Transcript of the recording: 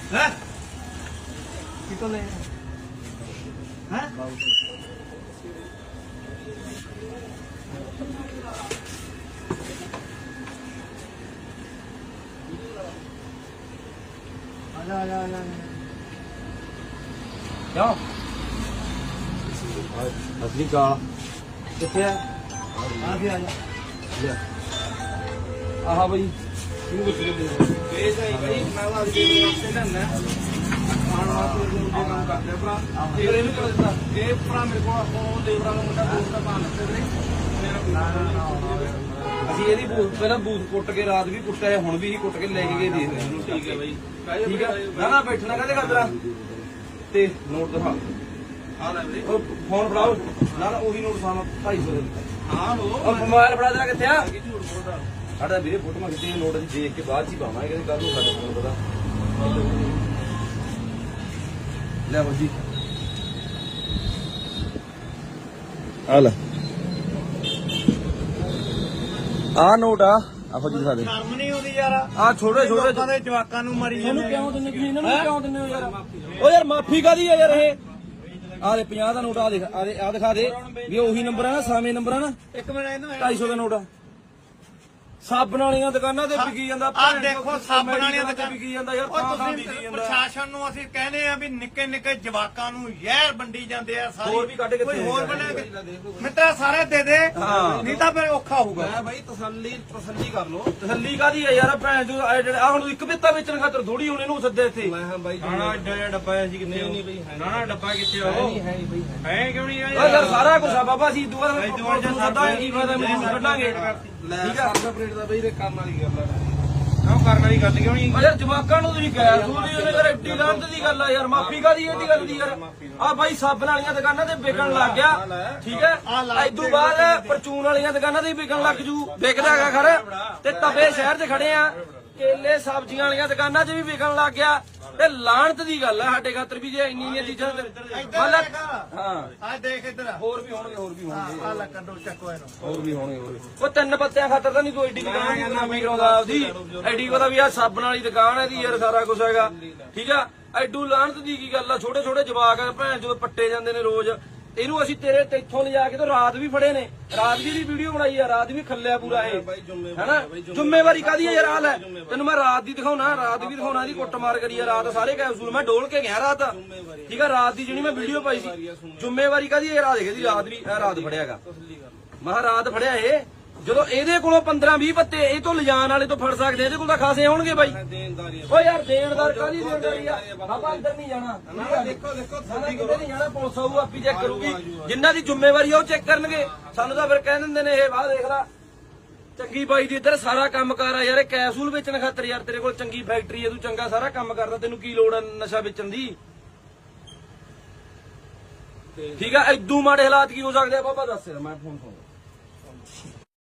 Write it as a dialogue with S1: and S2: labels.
S1: है कितो ले हैं आजा क्यों असली का कितने आ गया आजा आहा भाई ਇਹ ਸਹੀ ਬਈ ਮੈਂ ਉਹ ਅੱਜ ਦੇ ਵਾਸਤੇ ਲੈਣਾ ਆਣ ਵਾਸਤੇ ਜੋ ਕੰਮ ਕਰਦੇ ਭਰਾ ਫਿਰ ਇਹਨੂੰ ਕਰ ਦਿੱਤਾ ਇਹ ਭਰਾ ਮੇਰੇ ਕੋਲ ਉਹ ਦੇਵਰਾ ਦਾ ਮੁੰਡਾ ਦੋਸਤ ਦਾ ਭਾਣ ਲੱਗੇ ਵੀਰੇ ਅਸੀਂ ਇਹਦੀ ਪਹਿਲਾਂ ਬੂਥ ਕੁੱਟ ਕੇ ਰਾਤ ਵੀ ਕੁੱਟਿਆ ਹੁਣ ਵੀ ਹੀ ਕੁੱਟ ਕੇ ਲੈ ਕੇ ਗਏ ਦੇਖ ਰਹੇ ਇਹਨੂੰ ਠੀਕ ਹੈ ਬਾਈ ਠੀਕ ਹੈ ਨਾ ਬੈਠਣਾ ਕਹਦੇ ਕਰਦਰਾ ਤੇ ਨੋਟ ਦਿਖਾ ਆ ਲੈ ਵੀਰੇ ਉਹ ਫੋਨ ਫੜਾਓ ਨਾ ਉਹੀ ਨੋਟ ਸਾਨੂੰ 250 ਦੇ ਦਿੱਤਾ ਹਾਂ ਉਹ ਮੋਬਾਈਲ ਫੜਾ ਦੇਣਾ ਕਿੱਥੇ ਆ ਝੂਠ ਬੋਲਦਾ ਸਾਡਾ ਵੀਰੇ ਫੋਟੋ ਮੰਗਦੇ ਨੋਟ ਅਸੀਂ ਦੇਖ ਕੇ ਬਾਅਦ ਚ ਹੀ ਪਾਵਾਂਗੇ ਕੱਲ ਨੂੰ ਸਾਡਾ ਫੋਨ ਪਤਾ ਲੈ ਹੋ ਜੀ ਆ ਲੈ ਆ ਨੋਟ ਆ ਆਹੋ ਜੀ ਦਿਖਾ ਦੇ ਸ਼ਰਮ ਨਹੀਂ ਆਉਂਦੀ ਯਾਰ ਆ ਛੋਟੇ ਛੋਟੇ ਲੋਕਾਂ ਦੇ ਜਵਾਕਾਂ ਨੂੰ ਮਾਰੀ ਜਾਂਦੇ ਇਹਨੂੰ ਕਿਉਂ ਦਿੰਦੇ ਤੁਸੀਂ ਇਹਨਾਂ ਨੂੰ ਕਿਉਂ ਦਿੰਦੇ ਹੋ ਯਾਰ ਓ ਯਾਰ ਮਾਫੀ ਕਾਦੀ ਆ ਯਾਰ ਇਹ ਆ ਦੇ 50 ਦਾ ਨੋਟ ਆ ਦੇਖ ਆ ਦਿਖਾ ਦੇ ਵੀ ਉਹੀ ਨੰਬਰ ਆ ਨਾ ਸਾਵੇਂ ਨੰਬਰ ਆ ਨਾ ਇੱਕ ਮਿੰਟ ਇਹਨੂੰ 250 ਦਾ ਨੋਟ ਆ ਸਾਬਣ ਵਾਲੀਆਂ ਦੁਕਾਨਾਂ ਤੇ ਵਿਕੀ ਜਾਂਦਾ
S2: ਆ ਦੇਖੋ ਸਾਬਣ ਵਾਲੀਆਂ
S1: ਤੇ ਵਿਕੀ ਜਾਂਦਾ ਯਾਰ ਤਾਂ ਵਿਕੀ ਜਾਂਦਾ
S2: ਪ੍ਰਸ਼ਾਸਨ ਨੂੰ ਅਸੀਂ ਕਹਿੰਦੇ ਆ ਵੀ ਨਿੱਕੇ ਨਿੱਕੇ ਜਵਾਕਾਂ ਨੂੰ ਜ਼ਹਿਰ ਵੰਡੀ ਜਾਂਦੇ ਆ ਸਾਰੀ
S1: ਹੋਰ ਵੀ ਕੱਢ ਕੇ
S2: ਕੋਈ ਹੋਰ ਬਣਾ ਮਿੱਤਰਾ ਸਾਰੇ ਦੇ ਦੇ ਨਹੀਂ ਤਾਂ ਫਿਰ ਔਖਾ ਹੋਊਗਾ
S1: ਮੈਂ ਬਾਈ ਤਸੱਲੀ ਕਰ ਲੋ ਤਸੱਲੀ ਕਾਦੀ ਆ ਯਾਰ ਭੈਣ ਜੋ ਆ ਹੁਣ ਇੱਕ ਬਿੱਤਾ ਵੇਚਣ ਖਾਤਰ ਥੋੜੀ ਹੁਣ ਇਹਨੂੰ ਸੱਦੇ ਇੱਥੇ ਮੈਂ ਹਾਂ ਬਾਈ
S2: ਨਾ ਐਡਾ ਡੱਬਾ ਸੀ ਕਿੱਥੇ ਨਹੀਂ ਬਈ ਨਾ ਡੱਬਾ ਕਿੱਥੇ ਆ
S1: ਨਹੀਂ ਹੈ ਬਈ
S2: ਹੈ ਕਿਉਂ ਨਹੀਂ ਆ
S1: ਯਾਰ ਸਾਰਾ ਕੁਝ ਆ ਬਾਬਾ ਸੀ ਦੁਆ ਸੱਦਾ ਕੀ ਫਾਇਦਾ ਮੈਨੂੰ ਕੱਢਾਂਗੇ ਠੀਕ ਆ
S2: ਆਪਰੇਟ ਦਾ ਬਈ ਕੰਮ ਵਾਲੀ ਗੱਲ ਆ ਕਿਉਂ ਕਰਨ ਵਾਲੀ ਗੱਲ ਕਿਉਂ ਨਹੀਂ
S1: ਯਾਰ ਜਵਾਕਾਂ ਨੂੰ ਤੁਸੀਂ ਗੈਰ ਸੂਲੀ ਉਹਨੇ ਯਾਰ ਐਡੀ ਲਾਂਤ ਦੀ ਗੱਲ ਆ ਯਾਰ ਮਾਫੀ ਕਾਦੀ ਇਹਦੀ ਗੱਲ ਦੀ ਯਾਰ ਆ ਬਾਈ ਸਾਬਣ ਵਾਲੀਆਂ ਦੁਕਾਨਾਂ ਤੇ ਵਿਕਣ ਲੱਗ ਗਿਆ ਠੀਕ ਹੈ ਇਦੋਂ ਬਾਅਦ ਪਰਚੂਨ ਵਾਲੀਆਂ ਦੁਕਾਨਾਂ ਤੇ ਵੀ ਵਿਕਣ ਲੱਗ ਜੂ ਵਿਕਦਾ ਹੈਗਾ ਖਰ ਤੇ ਤਵੇ ਸ਼ਹਿਰ 'ਚ ਖੜੇ ਆ ਕੇਲੇ ਸਬਜ਼ੀਆਂ ਵਾਲੀਆਂ ਦੁਕਾਨਾਂ 'ਚ ਵੀ ਵਿਕਣ ਲੱਗ ਗਿਆ ਤੇ ਲਾਂਤ ਦੀ ਗੱਲ ਆ ਸਾਡੇ ਖਾਤਰ ਵੀ ਜੇ ਇੰਨੀਆਂ ਚੀਜ਼ਾਂ ਮਤਲਬ ਹਾਂ
S2: ਆ ਦੇਖ ਇੱਧਰ
S1: ਹੋਰ ਵੀ ਹੋਣਗੇ
S2: ਆ ਲੈ ਕੱਢੋ ਚੱਕੋ ਇਹਨੂੰ
S1: ਹੋਰ ਵੀ ਹੋਣਗੇ ਉਹ ਤਿੰਨ ਪੱਤਿਆਂ ਖਾਤਰ ਤਾਂ ਨਹੀਂ ਤੂੰ ਐਡੀ ਦੁਕਾਨ ਨਾਮੀ ਕਰਾਉਂਦਾ ਆਪਦੀ ਐਡੀ ਪਤਾ ਵੀ ਆ ਸਾਬਣ ਵਾਲੀ ਦੁਕਾਨ ਹੈ ਦੀ ਯਾਰ ਸਾਰਾ ਕੁਝ ਹੈਗਾ ਠੀਕ ਆ ਐਡੂ ਲਾਹਨਤ ਦੀ ਕੀ ਗੱਲ ਆ ਛੋਟੇ ਛੋਟੇ ਜਵਾਕ ਭੈਣ ਜਦੋਂ ਪੱਟੇ ਜਾਂਦੇ ਨੇ ਰੋਜ਼ ਇਹਨੂੰ ਅਸੀਂ ਤੇਰੇ ਤੇ ਇੱਥੋਂ ਲਿਜਾ ਕੇ ਤਾਂ ਰਾਤ ਵੀ ਫੜੇ ਨੇ ਰਾਤ ਦੀ ਵੀ ਵੀਡੀਓ ਬਣਾਈ ਆ ਰਾਤ ਵੀ ਖੱਲਿਆ ਪੂਰਾ ਇਹ ਹੈਨਾ ਜ਼ਿੰਮੇਵਾਰੀ ਕਾਦੀ ਆ ਯਾਰ ਆ ਲੈ ਤੈਨੂੰ ਮੈਂ ਰਾਤ ਦੀ ਦਿਖਾਉਣਾ ਰਾਤ ਵੀ ਦਿਖਾਉਣਾ ਦੀ ਕੁੱਟਮਾਰ ਕਰੀ ਆ ਰਾਤ ਸਾਰੇ ਕੈਪਸੂਲ ਮੈਂ ਡੋਲ ਕੇ ਗਿਆ ਰਾਤ ਠੀਕ ਆ ਰਾਤ ਦੀ ਜਿਹੜੀ ਮੈਂ ਵੀਡੀਓ ਪਾਈ ਸੀ ਜ਼ਿੰਮੇਵਾਰੀ ਕਾਦੀ ਇਹ ਰਾਤ ਦੇਖਦੀ ਰਾਤ ਵੀ ਇਹ ਰਾਤ ਫੜਿਆਗਾ ਮੈਂ ਰਾਤ ਫੜਿਆ ਇਹ ਜਦੋਂ ਇਹਦੇ ਕੋਲੋਂ 15-20 ਪੱਤੇ ਇਹ ਤੋਂ ਲਿਜਾਣ ਵਾਲੇ ਤੋਂ ਫੜ ਸਕਦੇ ਇਹਦੇ ਕੋਲ ਤਾਂ ਖਾਸੇ ਹੋਣਗੇ ਬਾਈ ਓ ਯਾਰ ਦੇਣਦਾਰ ਕਾਹਦੀ ਦੇਣਦਾਰੀ ਆ ਬਾਬਾ ਅੰਦਰ ਨਹੀਂ ਜਾਣਾ
S2: ਦੇਖੋ
S1: ਨਹੀਂ ਜਾਣਾ ਪੁਲਿਸ ਆਊ ਆਪੀ ਚੈੱਕ ਕਰੂਗੀ ਜਿਨ੍ਹਾਂ ਦੀ ਜ਼ਿੰਮੇਵਾਰੀ ਆ ਉਹ ਚੈੱਕ ਕਰਨਗੇ ਸਾਨੂੰ ਤਾਂ ਫਿਰ ਕਹਿ ਦਿੰਦੇ ਨੇ ਇਹ ਵਾਹ ਦੇਖ ਲੈ ਚੰਗੀ ਬਾਈ ਦੀ ਇੱਧਰ ਸਾਰਾ ਕੰਮ ਕਰ ਆ ਯਾਰ ਇਹ ਕੈਪਸੂਲ ਵੇਚਣ ਖਾਤਰ ਯਾਰ ਤੇਰੇ ਕੋਲ ਚੰਗੀ ਫੈਕਟਰੀ ਹੈ ਤੂੰ ਚੰਗਾ ਸਾਰਾ ਕੰਮ ਕਰਦਾ ਤੈਨੂੰ ਕੀ ਲੋੜ ਆ ਨਸ਼ਾ ਵੇਚਣ ਦੀ ਠੀਕ ਆ ਇਦੋਂ ਮਾੜੇ ਹਾਲਾਤ ਕੀ ਹੋ ਸਕਦੇ ਆ ਬਾਬਾ ਦੱਸ ਮੈਂ ਫੋਨ